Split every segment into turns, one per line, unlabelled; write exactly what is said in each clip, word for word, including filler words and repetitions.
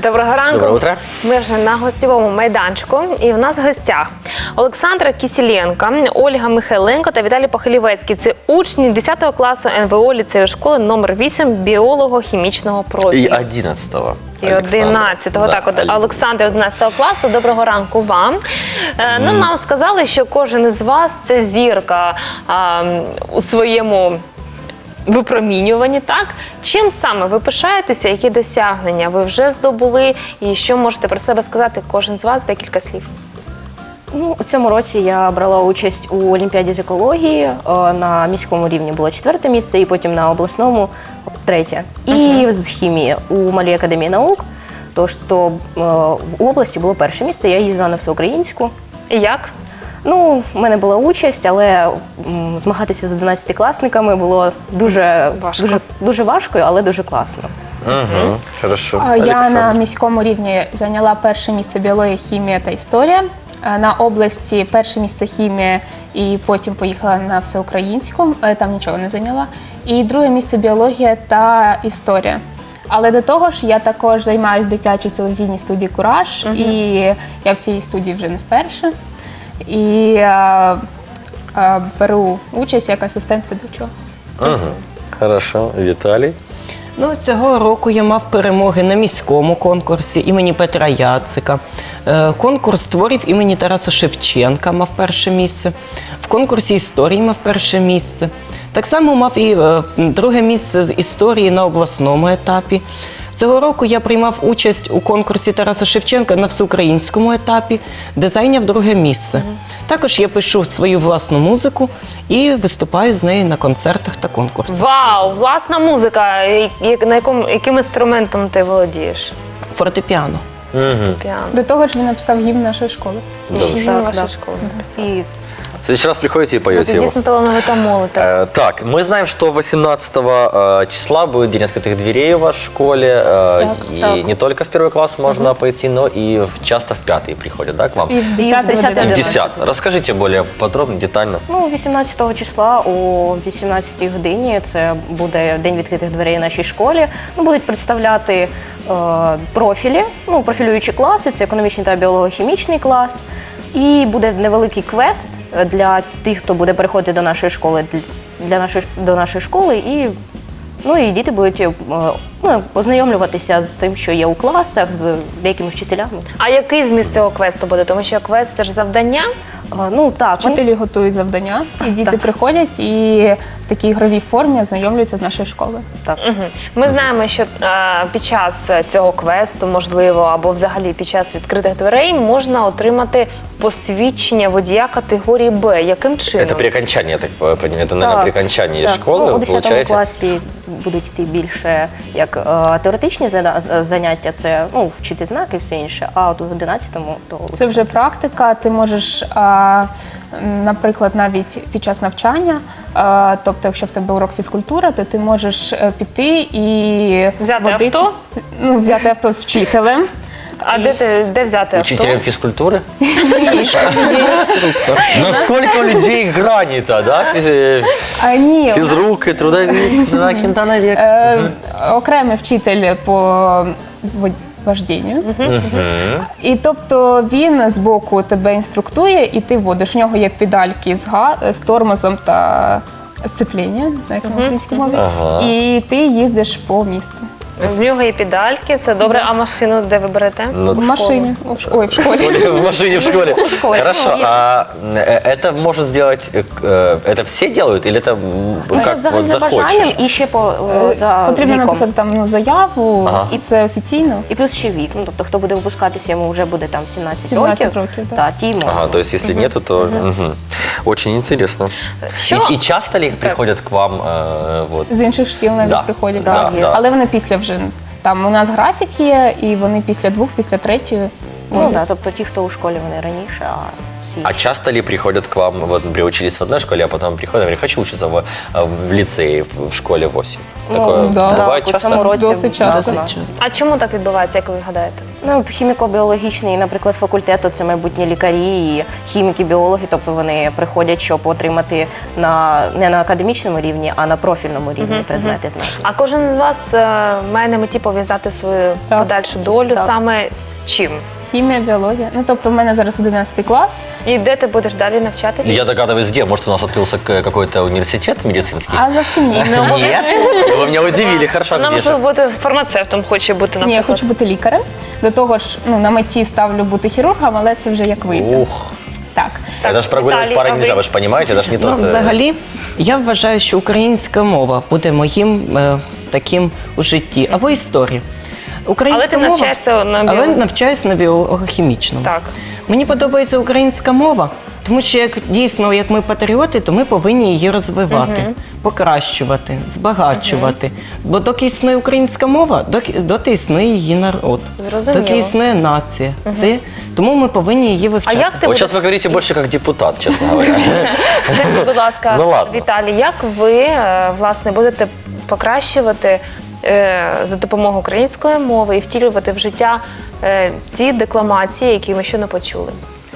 Доброго ранку.
Доброе утро.
Ми вже на гостєвому майданчику, і в нас в гостях Олександра Кисіленко, Ольга Михайленко та Віталій Похилівецький. Це учні десятого класу ен ве о ліцею школи номер вісім біолого-хімічного профілю.
И одиннадцатого.
І одинадцятого.
Да,
Так, от
Александр.
Олександр одинадцятого класу. Доброго ранку вам. Е, ну, нам сказали, що кожен із вас – це зірка а, у своєму випромінюванні, так? Чим саме ви пишаєтеся, які досягнення ви вже здобули, і що можете про себе сказати кожен з вас, декілька слів?
Ну, у цьому році я брала участь у Олімпіаді з екології. Е, На міському рівні було четверте місце, і потім на обласному третє. І uh-huh. з хімії у Малій академії наук. Тож то е, в області було перше місце, я їздила на всеукраїнську.
І як?
Ну, в мене була участь, але м, змагатися з одинадцятикласниками було дуже
Важко.
дуже, дуже важко, але дуже класно.
Угу. Хорошо.
Я на
Александр.
міському рівні зайняла перше місце біологія, хімія та історія. На області перше місце хімія і потім поїхала на всеукраїнську, але там нічого не зайняла. І друге місце біологія та історія. Але до того ж я також займаюся в дитячій телевізійній студії «Кураж»,
Мгм.
і я в цій студії вже не вперше. І е, е, беру участь як асистент ведучого.
Угу. Хорошо. Віталій.
Ну, цього року я мав перемоги на міському конкурсі імені Петра Яцика. Е, Конкурс творів імені Тараса Шевченка мав перше місце. В конкурсі історії мав перше місце. Так само мав і е, друге місце з історії на обласному етапі. Цього року я приймав участь у конкурсі Тараса Шевченка на всеукраїнському етапі, де зайняв друге місце. Також я пишу свою власну музику і виступаю з нею на концертах та конкурсах.
Вау! Власна музика! І- і- На якому, яким інструментом ти володієш?
Фортепіано.
Угу.
Піано.
До того ж він написав гімн нашої школи.
І ще гімн
Так,
вашої
да.
школи написав.
І
В следующий раз приходите и
Ви
поете его.
дійсно талановита молодь.
Э, Так, мы знаем, что восемнадцатого э, числа будет День открытых дверей у вас в школе. э,
Так,
и
так.
не только в первый класс можно пойти, но и в- часто в пятый приходят, да, к вам?
І в десятий,
десятий,
И в
одинадцятий.
десятый. Расскажите более подробно, детально.
Ну, вісімнадцятого числа о вісімнадцятій годині це буде День відкритих дверей у нашій школі. Ну, будуть представляти е, профілі, ну, профілюючі класи, це економічний та біолого-хімічний клас. І буде невеликий квест для тих, хто буде переходити до нашої школи, для нашої, до нашої школи. І, ну, і діти будуть е, ну, ознайомлюватися з тим, що є у класах, з деякими вчителями.
А який зміст цього квесту буде? Тому що квест – це ж завдання.
Е, Ну, так, вони-
Вчителі готують завдання, і діти
Так.
приходять і в такій ігровій формі ознайомлюються з нашою школою.
так.
Мгм. Ми знаємо, що е, під час цього квесту, можливо, або взагалі під час відкритих дверей можна отримати посвідчення водія категорії Б. Яким чином?
Это при окончании, я так понимаю, это, наверное, при окончании
так.
школы
Ну, у
вы
десятому
получаете?
класі будуть йти більше як е, теоретичні зада- з- заняття, це ну, вчити знаки і все інше, а от у одинадцятому то
Це вже практика. Ти можеш, а, наприклад, навіть під час навчання, а, тобто, якщо в тебе урок фізкультури, то ти можеш е, піти і
Взяти
водити-
авто?
Ну, взяти авто з вчителем.
А де, ти, де взяти авто?
Учителем физкультуры? Насколько у людей грани-то, да? Физ-
А, ні, у нас,
Физрук и трудовик, да, кентановик.
е, окремий вчитель по вод- вождінню. І тобто він з боку тебе інструктує, і ти водиш. У нього є педальки з, га- з тормозом та сцепління, не знаю, як на українській мові.
Ага.
І ти їздиш по місту.
В нього є педальки, це добре. А машину де ви берете?
Ну,
В машині. О, в ш- Ой, в школі.
в машине в школе.
школе.
Хорошо.
Ну,
А э, это может сделать, э, э, это все делают или это м,
Ну, це
как
взагалі
вот
за бажанням
захочешь?
і ще по е, за
Потрібно
віком.
написати там ну, заяву,
Ага.
і це офіційно.
І плюс ще вік. Ну, тобто, хто буде випускатися, йому вже буде там сімнадцять,
сімнадцять
років.
років, так.
Та, ті можна.
Ага, то есть если нету, то мгм. Очень интересно.
Що?
И, и часто ли приходят к вам э, вот?
З інших шкіл навіть
Да.
приходять.
Да,
Так.
да.
Але вони після вже. Там у нас графік є, і вони після двох, після третьої
Ну так, тобто ті, хто у школі, вони раніше, а всі.
А часто ли приходят к вам, вот приучились в одной школе, а потом приходят, говорят, хочу учиться в, в лицее, в школе восемь?
Ну,
Такое
да.
бывает
Так, у
часто?
цьому році
Досить
да,
часто.
у нас.
А чому так відбувається, як ви гадаєте?
Ну, хіміко-біологічний, наприклад, факультет, це майбутні лікарі і хіміки, біологи, тобто вони приходять, щоб отримати на, не на академічному рівні, а на профільному рівні предмети знати.
А кожен з вас е, має на меті пов'язати свою
Так.
подальшу долю
Так.
саме з чим?
Хімія, біологія. Ну, тобто в мене зараз одинадцятий клас,
І де ти будеш далі навчатися?
Я догадываюсь, где. Может, у нас открылся к- какой-то университет медицинский?
а зовсім ні.
Нет? Вы меня удивили, хорошо,
Вона,
где же?
можливо, бути фармацевтом, хоче бути,
Ні, я
наприклад.
хочу бути лікарем. До того ж, ну, на меті ставлю бути хірургом, але це вже як вийде.
Ух,
Так.
это же прогуливать
Виталий,
пары
а
нельзя,
вы?
вы же понимаете, это же не
Ну,
тот... э,
взагалі, я вважаю, що українська мова буде моїм е, таким у житті, або історія. Українська
Але ти
мова,
навчаєшся на
але
біо-
навчаюсь на біохімічному.
Так.
Мені подобається українська мова, тому що як дійсно, як ми патріоти, то ми повинні її розвивати, покращувати, збагачувати. Бо доки існує українська мова, доки, доти існує її народ,
Зрозуміло.
доки існує нація. Це, тому ми повинні її
А
вивчати.
як ти
Вот
будеш...
сейчас вы говорите больше как депутат, честно говоря.
Скажіть, будь ласка,
Ну, ладно.
Віталій, як ви, е, власне, будете покращувати е, за допомогою української мови і втілювати в життя е, ті декламації, які ми щойно почули?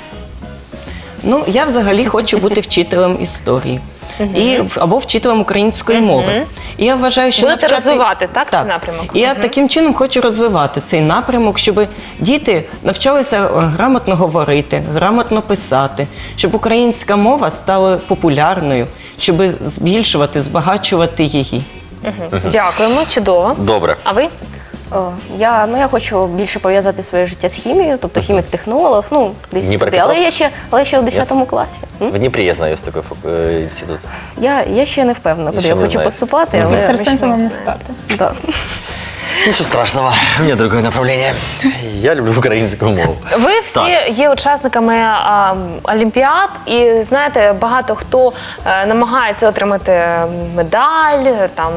Ну, я взагалі хочу бути вчителем історії. І, або вчителем української мови. І я вважаю, що
Будете розвивати, так, цей напрямок?
І я таким чином хочу розвивати цей напрямок, щоб діти навчалися е, грамотно говорити, грамотно писати, щоб українська мова стала популярною, щоб збільшувати, збагачувати її.
Дякуємо, чудово.
Добре.
А ви?
О, я, ну, я хочу більше пов'язати своє життя з хімією, тобто хімік-технолог, ну, десь туди.
Дніпропетровськ?
Але я ще, але я ще у десятому класі. М?
В Днепре, я знаю, есть такой фак- э, институт.
Я, я ще не впевнена, куди
Ще
я
не
хочу
знаєте.
поступати,
Мгм.
але
Екстрасенсом вам не
ще-
стати.
Да.
Ничего страшного, у меня другое направление. Я люблю украинскую мову.
Ви всі є учасниками а, олімпіад, і знаєте, багато хто е, намагається отримати медаль там.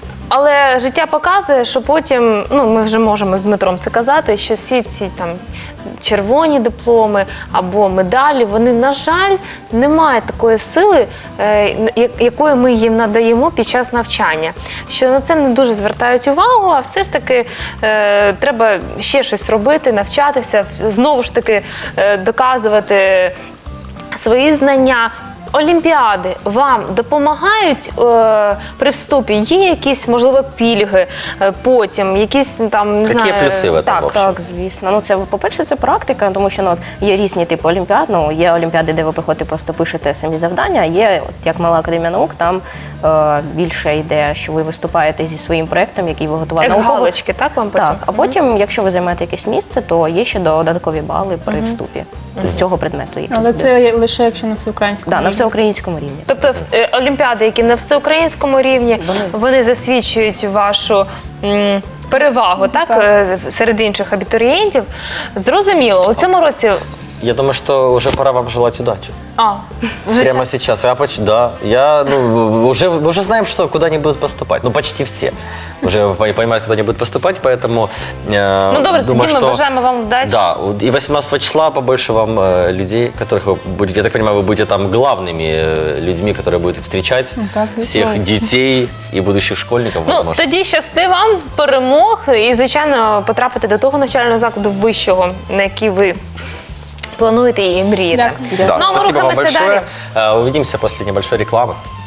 Але життя показує, що потім, ну ми вже можемо з Дмитром це казати, що всі ці там червоні дипломи або медалі, вони, на жаль, не мають такої сили, е, я- якої ми їм надаємо під час навчання. Що на це не дуже звертають увагу, а все ж таки е, треба ще щось робити, навчатися, знову ж таки е, доказувати свої знання. Олімпіади вам допомагають е, при вступі? Є якісь, можливо, пільги е, потім, якісь там, не
Які
знаю...
плюси в этом
Так,
вообще?
Так, звісно. Ну, це, по-перше, це практика, тому що ну, от, є різні типи олімпіад. Ну, є олімпіади, де ви приходите, просто пишете самі завдання. Є, от, як Мала академія наук, там е, більше йде, що ви виступаєте зі своїм проєктом, який ви готували.
як
Науковий-
галочки, так, вам потім?
Так, а потім, якщо ви займаєте якесь місце, то є ще додаткові бали при вступі з цього предмету. який
Але
буде.
це лише якщо на всеукраїнському
да, на
рівні.
всеукраїнському рівні.
Тобто вс- е, олімпіади, які на всеукраїнському рівні,
Вони-
вони засвідчують вашу м, перевагу, так,
Так.
е, серед інших абітурієнтів. Зрозуміло, у цьому році...
Я думаю, что уже пора вам желать удачи.
А, вже
Прямо сейчас. Я поч- да. Я, ну, уже, мы уже знаем, что куда они будут поступать. Ну, почти все. Уже по- понимают, куда они будут поступать, поэтому э,
Ну добре,
думаю,
тоді ми
что...
бажаємо вам вдачі.
Да, и восемнадцатого числа побольше вам э, людей, которых вы будете, я так понимаю, вы будете там главными э, людьми, которые будут встречать
Ну, так, звісно.
всех детей и будущих школьников,
Ну,
возможно.
тоді щасти вам, перемог і, звичайно, потрапити до того навчального закладу вищого, на який ви плануєте і мрієте.
Дякую.
Да,
Ну, а ми
спасибо вам
рухаємося
большое.
далі.
Э, Увидимся после небольшой рекламы.